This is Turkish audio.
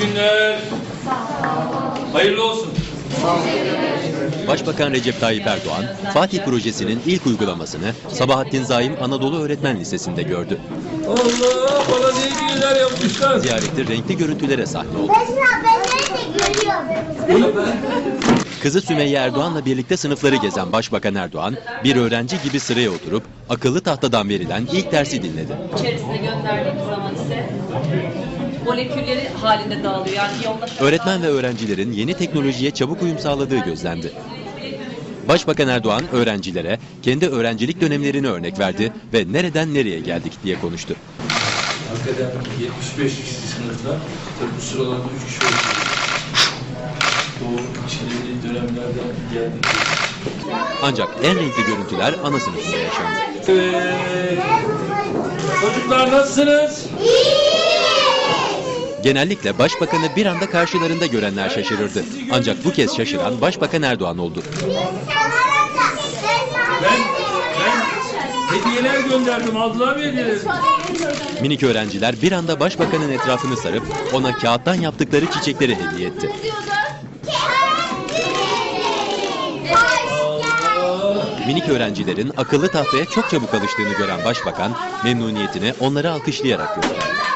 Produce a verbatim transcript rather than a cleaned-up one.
günler. Hayırlı olsun. Başbakan Recep Tayyip Erdoğan, Fatih Projesi'nin ilk uygulamasını Sabahattin Zaim Anadolu Öğretmen Lisesi'nde gördü. Allah, bana ne ilgiler yapmışlar. Ziyarette renkli görüntülere sahne oldu. Ben nerede görüyorum? Kızı Sümeyye Erdoğan'la birlikte sınıfları gezen Başbakan Erdoğan, bir öğrenci gibi sıraya oturup akıllı tahtadan verilen ilk dersi dinledi. İçerisine gönderdiğimiz zaman ise molekülleri halinde dağılıyor. Yani iyonlaşarak Öğretmen ve öğrencilerin yeni teknolojiye çabuk uyum sağladığı gözlendi. Başbakan Erdoğan öğrencilere kendi öğrencilik dönemlerini örnek verdi ve nereden nereye geldik diye konuştu. Hakikaten yetmiş beş kişi sınıfta, tabii bu sıralarda üç kişi oldu. Doğru çileli dönemlerden geldik. Ancak en renkli görüntüler ana sınıfında yaşandı. Evet. Çocuklar nasılsınız? Genellikle başbakanı bir anda karşılarında görenler şaşırırdı. Ancak bu kez şaşıran Başbakan Erdoğan oldu. Ben, ben hediyeler gönderdim. Aldılar mı hediyeleri? Minik öğrenciler bir anda başbakanın etrafını sarıp ona kağıttan yaptıkları çiçekleri hediye etti. Minik öğrencilerin akıllı tahtaya çok çabuk alıştığını gören başbakan memnuniyetini onları alkışlayarak gösterdi.